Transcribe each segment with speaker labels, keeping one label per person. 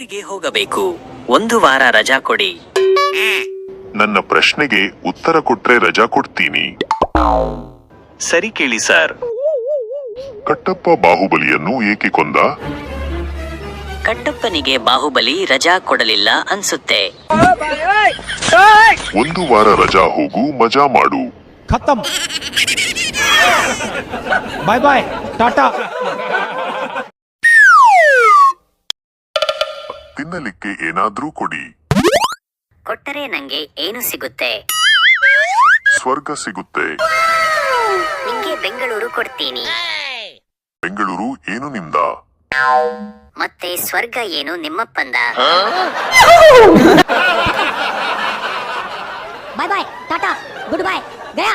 Speaker 1: ಊರಿಗೆ ಹೋಗಬೇಕು. 1 ವಾರ ರಜಾ ಕೊಡಿ.
Speaker 2: ನನ್ನ ಪ್ರಶ್ನೆಗೆ ಉತ್ತರ ಕೊಟ್ರೆ ರಜಾ ಕೊಡ್ತೀನಿ.
Speaker 1: ಸರಿ ಕೇಳಿ ಸರ್.
Speaker 2: ಕಟ್ಟಪ್ಪ ಬಾಹುಬಲಿಯನ್ನು ಏಕೆ ಕೊಂದ?
Speaker 1: ಕಟ್ಟಪ್ಪನಿಗೆ ಬಾಹುಬಲಿ ರಜಾ ಕೊಡಲಿಲ್ಲ ಅನ್ಸುತ್ತೆ.
Speaker 2: 1 ವಾರ ರಜಾ ಹೋಗು, ಮಜಾ ಮಾಡು.
Speaker 3: खत्म बाय बाय टाटा.
Speaker 2: ತಿನ್ನಲಿಕ್ಕೆ ಏನಾದ್ರೂ ಕೊಡಿ.
Speaker 4: ಕೊಟ್ಟರೆ ನಂಗೆ ಏನು ಸಿಗುತ್ತೆ?
Speaker 2: ಸ್ವರ್ಗ ಸಿಗುತ್ತೆ.
Speaker 4: ನಿಂಗೆ ಬೆಂಗಳೂರು ಕೊಡ್ತೀನಿ.
Speaker 2: ಬೆಂಗಳೂರು ಏನು ನಿಮ್ದ?
Speaker 4: ಮತ್ತೆ ಸ್ವರ್ಗ ಏನು ನಿಮ್ಮಪ್ಪಂದ?
Speaker 5: Bye bye tata goodbye गया.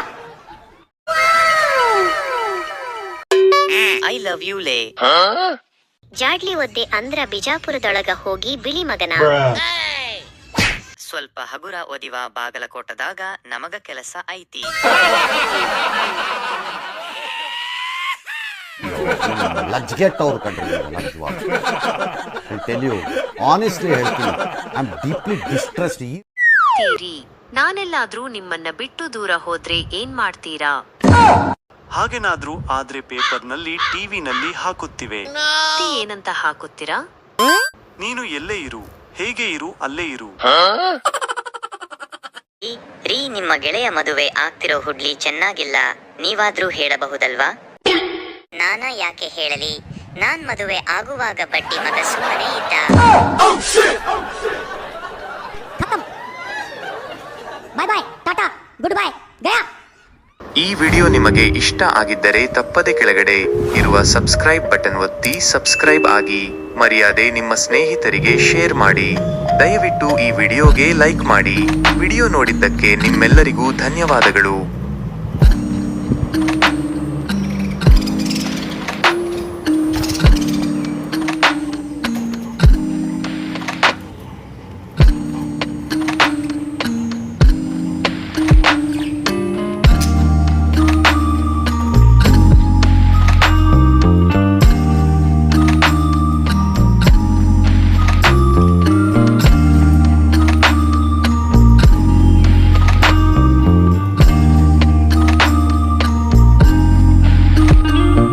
Speaker 1: ಐ ಲವ್ ಯು ಲೇ.
Speaker 4: ಜಾಡ್ಲಿ ಒದ್ದೆ ಅಂದ್ರ ಬಿಜಾಪುರದೊಳಗ ಹೋಗಿ ಬಿಳಿ ಮಗನ.
Speaker 1: ಸ್ವಲ್ಪ ಹಗುರ ಓದಿವ ಬಾಗಲಕೋಟದಾಗ ನಮಗ ಕೆಲಸ ಐತಿ.
Speaker 6: ಲಜ್ಗೆಟ್ಟವ್ರು ಕಂಡ್ರಿ ಲಜ್ಜವಾಗಿ. ಐ ಟೆಲ್ ಯು ಆನೆಸ್ಟ್ಲಿ ಹೇಳ್ತೀನಿ, ಐ ಆಮ್ ಡೀಪ್ಲಿ ಡಿಸ್ಟ್ರೆಸ್ಡ್.
Speaker 7: ನಾನೆಲ್ಲಾದ್ರೂ ನಿಮ್ಮನ್ನ ಬಿಟ್ಟು ದೂರ ಹೋದ್ರೆ ಏನ್ ಮಾಡ್ತೀರಾ?
Speaker 8: ಹಾಗೇನಾದ್ರೂ ಆದ್ರೆ ಪೇಪರ್ನಲ್ಲಿ, ಟಿವಿನಲ್ಲಿ ಹಾಕುತ್ತಿವೆ.
Speaker 7: ಏನಂತ ಹಾಕುತ್ತೀರಾ?
Speaker 8: ನೀನು ಎಲ್ಲೇ ಇರು, ಹೇಗೆ ಇರು, ಅಲ್ಲೇ ಇರು.
Speaker 4: ರೀ, ನಿಮ್ಮ ಗೆಳೆಯ ಮದುವೆ ಆಗ್ತಿರೋ ಹುಡ್ಲಿ ಚೆನ್ನಾಗಿಲ್ಲ, ನೀವಾದ್ರೂ ಹೇಳಬಹುದಲ್ವಾ? ನಾನ ಯಾಕೆ ಹೇಳಲಿ? ನಾನ್ ಮದುವೆ ಆಗುವಾಗ ಬಡ್ಡಿ ಮಗ ಸುಮ್ಮನೆ ಇದ್ದ.
Speaker 5: Bye bye tata goodbye गया.
Speaker 9: ಈ ವಿಡಿಯೋ ನಿಮಗೆ ಇಷ್ಟ ಆಗಿದ್ದರೆ ತಪ್ಪದೆ ಕೆಳಗಡೆ ಇರುವ ಸಬ್ಸ್ಕ್ರೈಬ್ ಬಟನ್ ಒತ್ತಿ ಸಬ್ಸ್ಕ್ರೈಬ್ ಆಗಿ. ಮರ್ಯಾದೆ ನಿಮ್ಮ ಸ್ನೇಹಿತರಿಗೆ ಶೇರ್ ಮಾಡಿ. ದಯವಿಟ್ಟು ಈ ವಿಡಿಯೋಗೆ ಲೈಕ್ ಮಾಡಿ. ವಿಡಿಯೋ ನೋಡಿದ್ದಕ್ಕೆ ನಿಮ್ಮೆಲ್ಲರಿಗೂ ಧನ್ಯವಾದಗಳು.